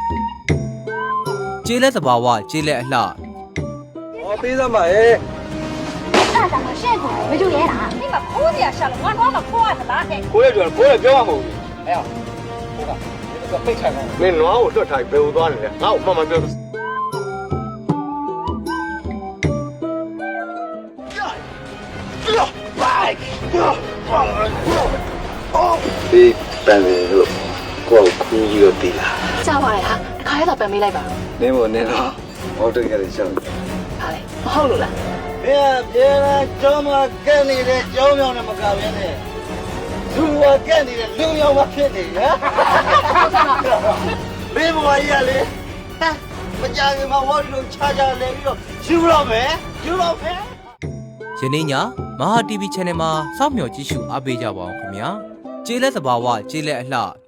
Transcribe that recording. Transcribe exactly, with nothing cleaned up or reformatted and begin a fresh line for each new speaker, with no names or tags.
ကျေးလက်သဘာဝကျေးလက်အလှ
ဟောပေးသမှာရဲ့
အဲ့ဒါမှရှင့်ကိုမယူရဲတာဒီမှာခိုးစရာရှာလို့ငါတော့မခိုးရသလားဟဲ့
ကိုရပြောကိုရပြောမှာမဟုတ်ဘူးအဲ့ဟောဟုတ်ကဲ့ဒီကပိတ်ချင်တယ်မင်းနွားကိုလွတ်ထားဘယ်လိုသွားနေလဲငါ့ကိုမှန်မှန်ပြောဒီပန်တယ်လို့ကိုယ်ကူးပြီးတော့တီးလာ
ကြောက်ပါရဲ့ဟာတခါရတော့ပြန်မေးလိုက်ပါ
နင်းမနေတော့ဟောတကယ်ရှောင်း
ဟာလေမဟုတ်လို့လား
ဘယ်ပြေလာကျောင်းမှာကဲနေတဲ့ကျောင်းမြောင်နဲ့မကဘဲနဲ့လူဝကဲနေတဲ့လူမြောင်မဖြစ်နေဟမ်မင်းဘဝကြီးကလေမကြခင်မှာဝါဒီလိုခြားခြားလဲပြီးတော့ယူတော့မယ်ယူတော့မယ်
ယနေ့ညမဟာ တီဗီ channel မှာစောင့်မျှော်ကြည့်ရှုအားပေးကြပါအောင်ခင်ဗျာကျေးလက်သဘာဝကျေးလက်အလှ